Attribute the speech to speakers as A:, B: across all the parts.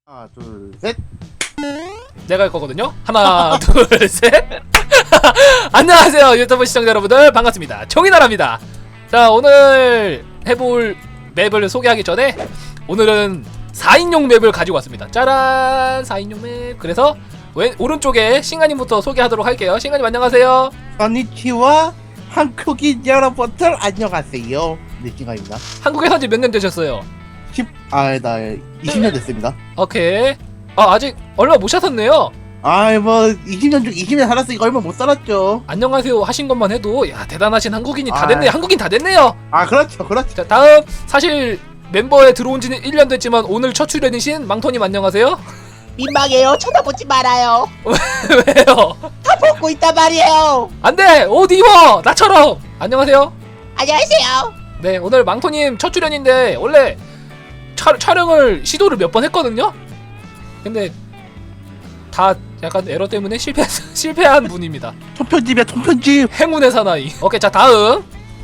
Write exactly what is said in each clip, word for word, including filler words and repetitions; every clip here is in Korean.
A: 하나 둘 셋.
B: 내가 할 거거든요. 하나 둘 셋. 안녕하세요 유튜브 시청자 여러분들, 반갑습니다. 종이나라입니다. 자, 오늘 해볼 맵을 소개하기 전에 오늘은 사인용 맵을 가지고 왔습니다. 짜란, 사인용 맵. 그래서 왼 오른쪽에 신가님부터 소개하도록 할게요. 신가님 안녕하세요.
A: 건니치와 한국인 여러분들 안녕하세요. 네, 찡아입니다.
B: 한국에 산지 몇 년 되셨어요?
A: 십, 아, 나 이십 년 됐습니다.
B: 오케이. 아, 아직 얼마 못 사셨네요.
A: 아이, 뭐 이십 년 중 이십 년 살았으니까 얼마 못 살았죠.
B: 안녕하세요 하신 것만 해도 야, 대단하신 한국인이 다
A: 아.
B: 됐네요. 한국인 다 됐네요.
A: 아, 그렇죠, 그렇죠.
B: 자, 다음. 사실 멤버에 들어온 지는 일 년 됐지만 오늘 첫 출연이신 망토님 안녕하세요.
C: 민망해요. 쳐다보지 말아요.
B: 왜요?
C: 다 보고 있단 말이에요.
B: 안돼! 옷 입어! 나처럼! 안녕하세요.
C: 안녕하세요.
B: 네, 오늘 망토님 첫 출연인데 원래 차, 촬영을 시도를 몇 번 했거든요? 근데 다 약간 에러 때문에 실패, 실패한 분입니다.
A: 통편집이야, 통편집.
B: 행운의 사나이. 오케이, 자, 다음.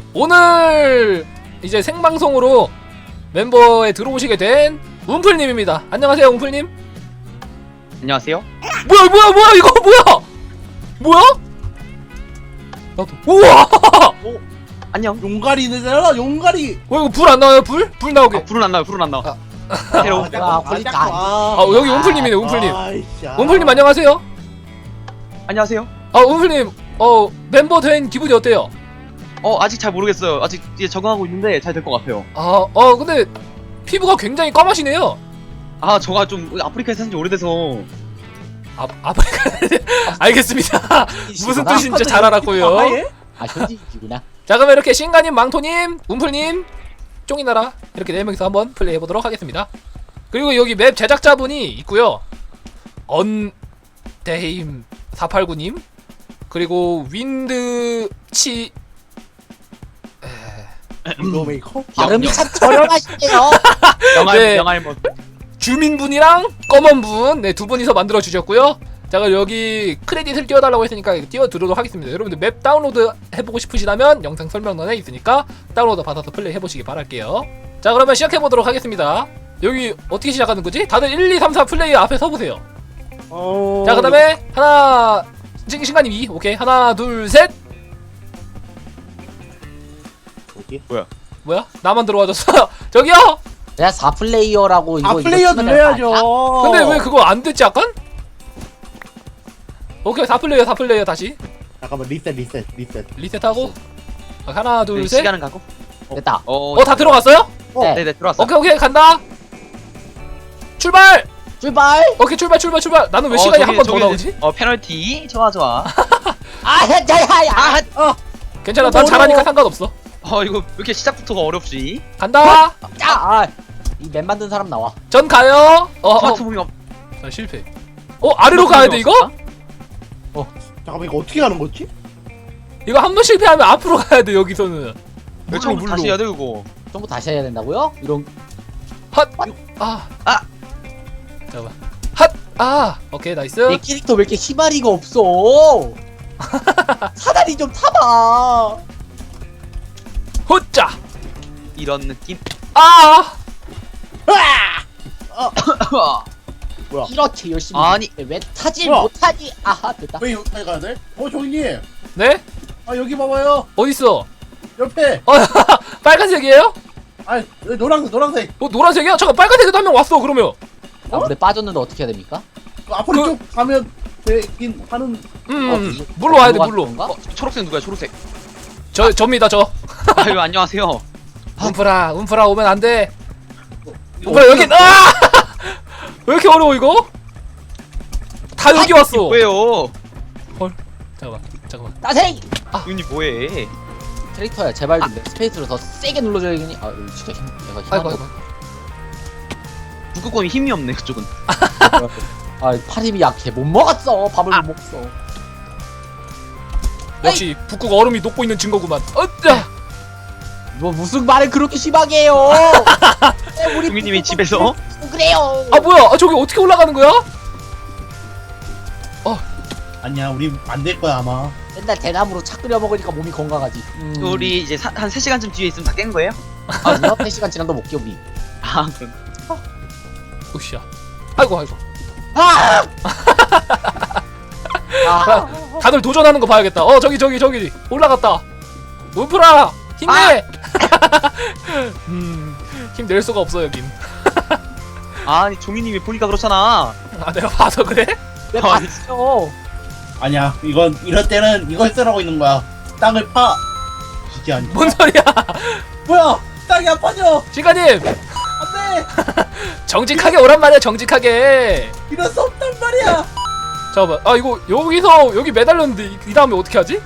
B: 오늘 이제 생방송으로 멤버에 들어오시게 된 움플님입니다. 안녕하세요, 움플님.
D: 안녕하세요.
B: 뭐야, 뭐야, 뭐야, 이거 뭐야? 뭐야? 나도. 우와!
D: 안녕.
A: 용가리 되잖아, 용가리.
B: 어, 이거 불 안 나와요, 불? 불 나오게.
D: 아, 불은 안 나요. 불은 안 나와.
A: 아,
D: 새로운.
C: 아,
A: 잠깐만,
C: 걸리니까
A: 잠깐만.
B: 아, 여기 움플님이네, 움플님.
A: 아이씨, 아.
B: 움플님 안녕하세요.
D: 안녕하세요.
B: 아, 움플님, 어, 멤버 된 기분이 어때요?
D: 어 아직 잘 모르겠어요. 아직 이제 적응하고 있는데 잘 될 것 같아요.
B: 아, 어, 근데 피부가 굉장히 검하시네요.
D: 아 저가 좀 아프리카에 산지 오래돼서.
B: 아, 아프리카. 알겠습니다. 무슨 뜻인지 잘 알았고요.
A: 아, 예?
C: 아, 현지이구나.
B: 자, 그러면 이렇게 신가님, 망토님, 움플님, 쫑이나라 이렇게 네 명이서 한번 플레이 해보도록 하겠습니다. 그리고 여기 맵 제작자분이 있고요. 언데임 사팔구님, 그리고 윈드치
A: 윈도메이커?
C: 발음이 참 저렴하시네요.
D: 영알
B: 네.
D: 영알 뭐.
B: 주민분이랑 검은분, 네, 두 분이서 만들어 주셨고요. 자, 그럼 여기 크레딧을 띄워달라고 했으니까 띄워드리도록 하겠습니다. 여러분들 맵 다운로드 해보고 싶으시다면 영상 설명란에 있으니까 다운로드 받아서 플레이 해보시기 바랄게요. 자, 그러면 시작해보도록 하겠습니다. 여기 어떻게 시작하는 거지? 다들 일, 이, 삼, 사 플레이 앞에 서보세요.
A: 어...
B: 자, 그 다음에 하나, 신- 신가님 이, 오케이. 하나, 둘, 셋.
A: 어디?
B: 뭐야? 나만 들어와줬어. 저기요?
C: 내가 사 플레이어라고 이거
A: 아,
C: 이거
A: 플레이어
C: 치면
A: 눌러야죠.
C: 될거
B: 근데 왜 그거 안 됐지, 약간? 오케이, 사 플레이어, 사 플레이어 다시.
A: 잠깐만, 리셋, 리셋, 리셋.
B: 리셋하고. 아, 하나, 둘,
D: 네,
B: 셋.
D: 시간은 가고.
C: 아니야? 됐다.
D: 어.
B: 어, 다 들어갔어요?
C: 네.
D: 네네 들어왔어.
B: 오케이, 오케이, 간다. 출발!
C: 출발.
B: 오케이, 출발, 출발, 출발. 나는 왜
D: 어,
B: 시간이
D: 저기,
B: 한 번 더
D: 저기,
B: 나오지?
D: 어 페널티. 좋아 좋아.
C: 아, 야, 야, 야.
D: 아.
B: 괜찮아,
A: 어,
B: 난 잘하니까
A: 어려워.
B: 상관없어.
D: 어 이거 왜 이렇게 시작부터가 어렵지?
B: 간다.
C: 자, 아, 이 맵 만든 사람 나와.
B: 전 가요. 어, 어.
D: 스마트폰이 없.
B: 자, 실패. 어, 아래로 가야 돼, 이거?
A: 잠깐만, 이거 어떻게 가는 거지?
B: 이거 한 번 실패하면 앞으로 가야 돼, 여기서는.
D: 왜 처음 다시 해야 돼 이거?
C: 전부 다시 해야 된다고요? 이런
B: 핫. 아.
D: 아.
B: 잠깐만. 핫. 아. 오케이, 나이스.
C: 내 캐릭터 왜 이렇게 희마리가 없어? 사다리 좀 타봐.
B: 호짜.
D: 이런 느낌.
B: 아.
C: 이렇게 열심히
D: 아니.
C: 했는데 왜 타질
A: 뭐야?
C: 못하니? 아하, 됐다.
A: 왜 여기까지 가야 돼? 어, 종이님.
B: 네?
A: 아, 여기 봐봐요.
B: 어딨어?
A: 옆에.
B: 어, 빨간색이에요?
A: 아, 여기 노란색, 노란색.
B: 어, 노란색이야? 잠깐, 빨간색에도 한 명 왔어, 그러면.
C: 아, 근데 빠졌는데 어떻게 해야 됩니까?
A: 그 앞으로
B: 그-
A: 쭉 가면 되긴 하는.
B: 음,
C: 어,
B: 음.
C: 이거
B: 물로 와야 돼,
C: 들어가는
B: 물로.
C: 건가?
D: 어 초록색 누구야 초록색?
B: 저, 접니다, 저.
D: 아유 안녕하세요.
B: 움프라, 움프라 오면 안 돼. 움프라, 여기, 아! 왜 이렇게 어려워, 이거? 다 여기 왔어.
D: 뭐예요?
B: 잠깐만, 잠깐만.
C: 따생!
D: 윤이 뭐해?
C: 캐릭터야, 제발 좀 내 스페이스로 더 세게 눌러줘야겠니? 아, 이거 진짜 힘, 내가 힘.
B: 아이고, 아이고.
D: 북극곰이 힘이 없네 그쪽은.
C: 아, 팔 힘이 약해. 못 먹었어. 밥을
D: 아.
C: 못 먹었어.
B: 역시 북극 얼음이 녹고 있는 증거구만. 어짜.
C: 뭐 무슨 말을 그렇게 심하게 해요? 네, 우리
D: 유미님이
C: 부부
D: 집에서?
C: 좀 그래요.
B: 아, 뭐야? 아, 저기 어떻게 올라가는 거야?
A: 아니야, 우리 안 될 거야, 아마.
C: 맨날 대나무로 차 끓여 먹으니까 몸이 건강하지.
B: 음.
D: 우리 이제 한 세 시간쯤 뒤에 있으면 다 깬 거예요?
C: 아니요, 세 시간 지나도 못 깨우기.
D: 아 그럼.
B: 으쌰. 아이고 아이고.
C: 아! 아,
B: 다들 도전하는 거 봐야겠다. 어 저기 저기 저기 올라갔다. 운프라 힘내. 음, 힘 낼 수가 없어 여긴.
D: 아니 종이님이 보니까 그렇잖아.
B: 아 내가 봐서 그래?
C: 내 봤어.
A: 아니야, 이건 이럴 때는 이걸 쓰라고 있는 거야. 땅을 파. 이게 아니야.
B: 뭔 소리야?
A: 뭐야? 땅이 아파져.
B: 시가님
A: 안돼.
B: 정직하게 오란 말이야 정직하게.
A: 이럴 수 없단 말이야.
B: 잠깐만. 아 이거 여기서 여기 매달렸는데 이, 이 다음에 어떻게 하지?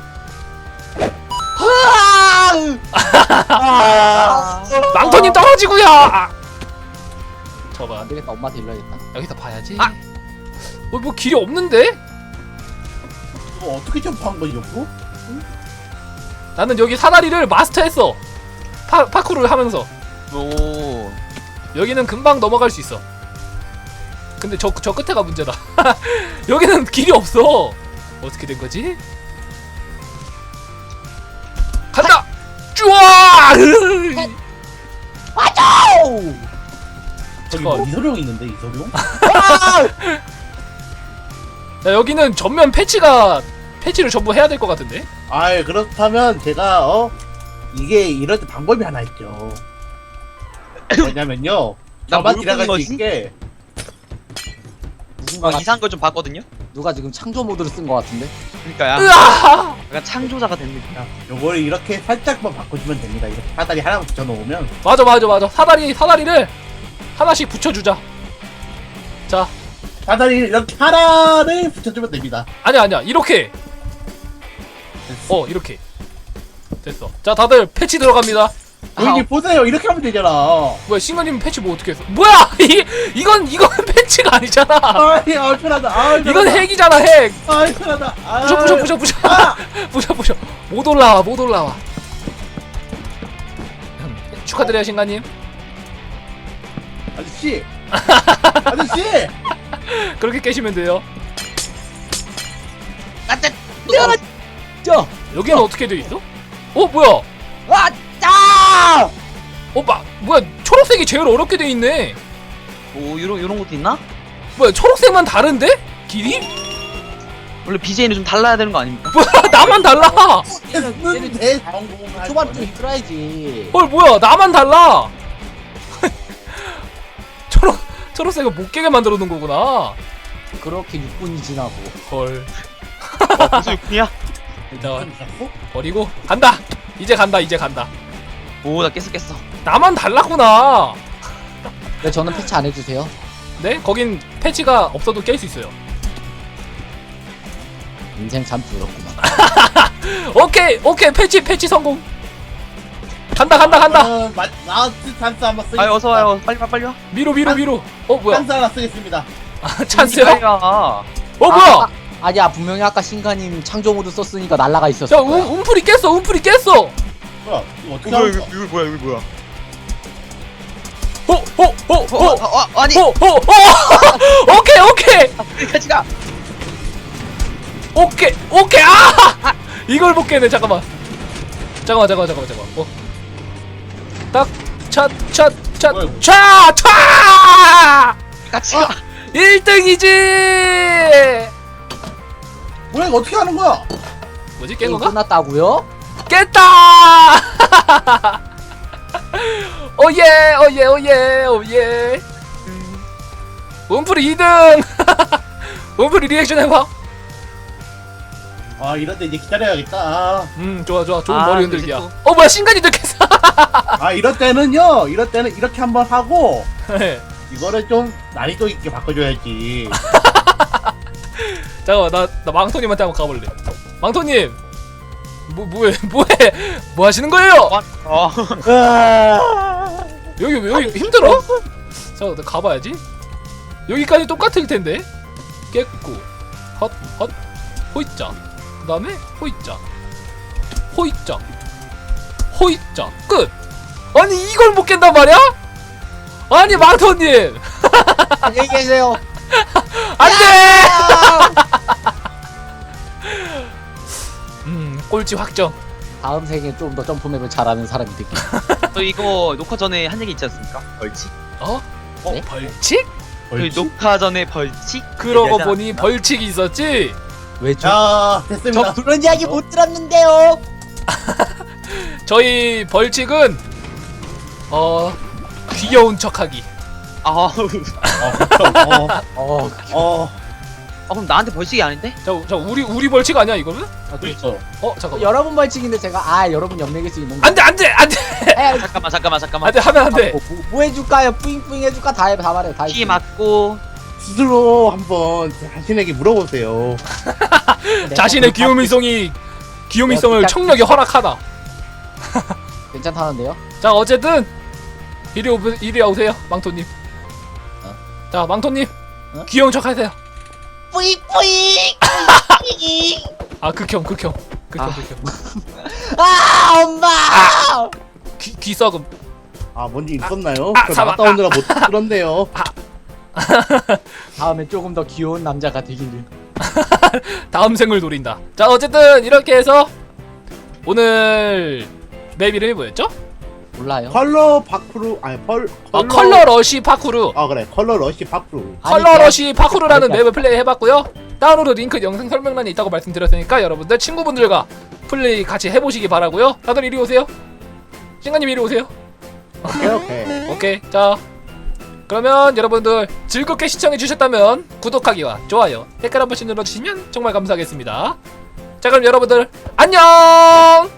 A: 아.
B: 망토님 떨어지고요. 아. 잠깐만.
C: 안 되겠다. 엄마한테 일러야겠다.
B: 여기서 봐야지.
D: 아!
B: 어, 뭐 길이 없는데?
A: 이거 어떻게 점프한 거지, 이거?
B: 나는 여기 사다리를 마스터했어. 파, 파쿠르를 하면서.
D: 오.
B: 여기는 금방 넘어갈 수 있어. 근데 저, 저 끝에가 문제다. 여기는 길이 없어. 어떻게 된 거지? 간다! 쭈아!
C: 아우!
A: 저기
B: 잠깐.
A: 뭐 이소룡 있는데, 이소룡?
B: 야, 여기는 전면 패치가 패치를 전부 해야 될 것 같은데?
A: 아이, 그렇다면 제가 어 이게 이럴 때 방법이 하나 있죠. 뭐냐면요.
D: 나
A: 저만
D: 뭘
A: 지나갈 수
D: 보는 거지?
A: 있게.
C: 누군가
D: 아, 이상한 걸 좀 봤거든요.
C: 누가 지금 창조 모드를 쓴 것 같은데?
D: 그러니까야.
B: 으아!
D: 약간 창조자가 된 느낌.
A: 자, 요거를 이렇게 살짝만 바꿔주면 됩니다. 이렇게 사다리 하나 붙여놓으면.
B: 맞아 맞아 맞아. 사다리 사다리를 하나씩 붙여주자. 자,
A: 사다리를 이렇게 하나를 붙여주면 됩니다.
B: 아니야 아니야 이렇게.
A: 됐어.
B: 어 이렇게 됐어. 자 다들 패치 들어갑니다.
A: 여기
D: 아.
A: 보세요. 이렇게 하면 되잖아.
B: 뭐야 싱가님 패치 뭐 어떻게 했어? 뭐야 이 이건 이건 패치가 아니잖아.
A: 아이, 아, 편하다. 아,
B: 이건 핵이잖아 핵.
A: 아, 편하다. 아,
B: 부셔 부셔 부셔 부셔
A: 아!
B: 부셔 부셔. 못 올라와 못 올라와. 음, 축하드려요 싱가님.
A: 아저씨. 아저씨.
B: 그렇게 깨시면 돼요.
D: 아짜.
C: 야! 저!
B: 여기는 어떻게 돼 있어? 어 뭐야?
C: 아! 짜!
B: 어 마, 뭐야 초록색이 제일 어렵게 돼 있네.
D: 오 요런 요런 것도 있나?
B: 뭐야 초록색만 다른데? 길이?
D: 원래 비제이는 좀 달라야 되는 거 아닙니까?
B: 뭐야 나만 달라.
A: 했는데 성공할
C: 초반 좀
A: 거네.
C: 힘들어야지.
B: 헐 뭐야 나만 달라. 초록 초록색을 못 깨게 만들어 놓은 거구나.
C: 그렇게 육 분이 지나고.
B: 헐.
D: 어, 벌써 육 분이야?
B: 일단 버리고 간다. 이제 간다 이제 간다.
D: 오 나 깼어 깼어.
B: 나만 달랐구나.
C: 왜 저는 패치 안 해주세요?
B: 네? 거긴 패치가 없어도 깰 수 있어요.
C: 인생 참 부럽구만.
B: 오케이 오케이 패치 패치 성공. 간다 간다 간다.
A: 어, 마, 라스트 찬스 한번 쓰겠습니다.
D: 아 어서 와요. 빨리 와 빨리 와.
B: 위로 위로 위로. 어 뭐야?
A: 찬스 하나 쓰겠습니다.
B: 아, 찬스요?
D: 빨리 와.
B: 어 뭐야?
C: 아, 아, 아니야 분명히 아까 신가님 창조 모드 썼으니까 날라가 있었을
B: 야
C: 거야.
B: 운, 운풀이 깼어 운풀이 깼어.
A: 뭐야? 이거 어떻게
D: 이거
A: 하는
D: 이거
A: 거야?
D: 이거 뭐야 이거 뭐야?
B: 어, 호호호호
D: 어, 어, 어, 아니
B: 호호호 오케이 오케이
D: 여기까지 가.
B: 오케이 오케이 아 이걸 못 깨네. 잠깐만 잠깐만 잠깐만 잠깐만 잠깐만
A: 뭐야, 이거?
B: 어딱차차차차
D: 같이 가.
B: 일 등이지.
A: 뭐야 이거 어떻게 하는 거야?
B: 뭐지 깬
C: 게임
B: 건가?
C: 끝났다고요?
B: 깼다. 오예 오예 오예 오예. 운풀이 이 등. 운풀이 리액션 해봐.
A: 아 이럴 때 이제 기다려야겠다. 아,
B: 음 좋아 좋아 좋은
D: 아,
B: 머리 흔들기야.
D: 이제
B: 어 뭐야 신간이도 깼어.
A: 아 이럴 때는요. 이럴 때는 이렇게 한번 하고 이거를 좀 난이도 있게 바꿔줘야지.
B: 잠깐만 나, 나 망토님한테 한번 가볼래. 망토님 뭐 뭐해 뭐해 뭐 하시는 거예요?
D: 어.
A: 으아.
B: 여기 왜 여기 힘들어? 잠깐 나 가봐야지. 여기까지 똑같을 텐데. 깼고 헛헛 호이자 그 다음에 호이자 호이자 호이자 끝. 아니 이걸 못 깬단 말이야? 아니 망토님
C: 안녕히 계세요.
B: 안돼. 음 꼴찌 확정.
C: 다음 생에 좀 더 점프맵을 잘하는 사람이 되기.
D: 저 이거 녹화 전에 한 얘기 있지 않습니까? 벌칙?
B: 어? 어
C: 네?
B: 벌칙?
D: 저희
A: 벌칙?
D: 녹화 전에 벌칙?
B: 그러고
A: 얘기하지
B: 보니
A: 않았나?
B: 벌칙이 있었지.
C: 왜죠?
A: 자 됐습니다.
C: 저 그런 이야기 못 들었는데요.
B: 저희 벌칙은 어 귀여운 척하기.
D: 아,
A: 어,
C: 어,
A: 어,
D: 아 그럼 나한테 벌칙이 아닌데?
B: 자, 자 우리 우리 벌칙 아니야 이거는?
C: 아, 그렇죠.
B: 어 잠깐.
C: 여러분 벌칙인데 제가 아 여러분 연맥일 수 있는 거.
B: 안돼 안돼 안돼
C: 에,
D: 잠깐만 잠깐만 잠깐만.
B: 안돼 하면 안돼.
C: 뭐, 뭐, 뭐 해줄까요? 뿌잉뿌잉 해줄까? 다 해, 다 말해, 다.
D: 피 맞고
A: 스스로 한번 자신에게 물어보세요.
B: 자신의 귀요미성이 귀요미성을
C: 야,
B: 청력이 허락하다.
C: 괜찮다는데요?
B: 자 어쨌든 이리 오 이리 오세요 망토님.
C: 어?
B: 자 망토님
C: 어?
B: 귀여운 척 하세요.
C: 뿌잉뿌잉.
B: 아 극혐 극혐 극혐
C: 아.
B: 극혐.
C: 아 엄마.
B: 귀 귀썩음.
A: 아 뭔지 있었나요?
B: 아,
A: 저
B: 사막.
A: 나갔다 오느라 못 들었네요.
C: 다음에 조금 더 귀여운 남자가 되기를.
B: 다음 생을 노린다. 자 어쨌든 이렇게 해서 오늘 맵 이름이 뭐였죠?
C: 몰라요.
A: 컬러 파크루 아니 펄
B: 아, 컬러 러시 파쿠르.
A: 아 그래 컬러 러시 파크루.
C: 아니,
B: 컬러
C: 그냥-
B: 러시 파쿠르라는
C: 그러니까.
B: 맵을 플레이 해봤고요. 다운로드 링크 영상 설명란에 있다고 말씀드렸으니까 여러분들 친구분들과 플레이 같이 해보시기 바라고요. 다들 이리 오세요. 신가님 이리 오세요.
A: 오케이 오케이.
B: 오케이. 자 그러면 여러분들 즐겁게 시청해주셨다면 구독하기와 좋아요 댓글 한 번씩 눌러주시면 정말 감사하겠습니다. 자 그럼 여러분들 안녕.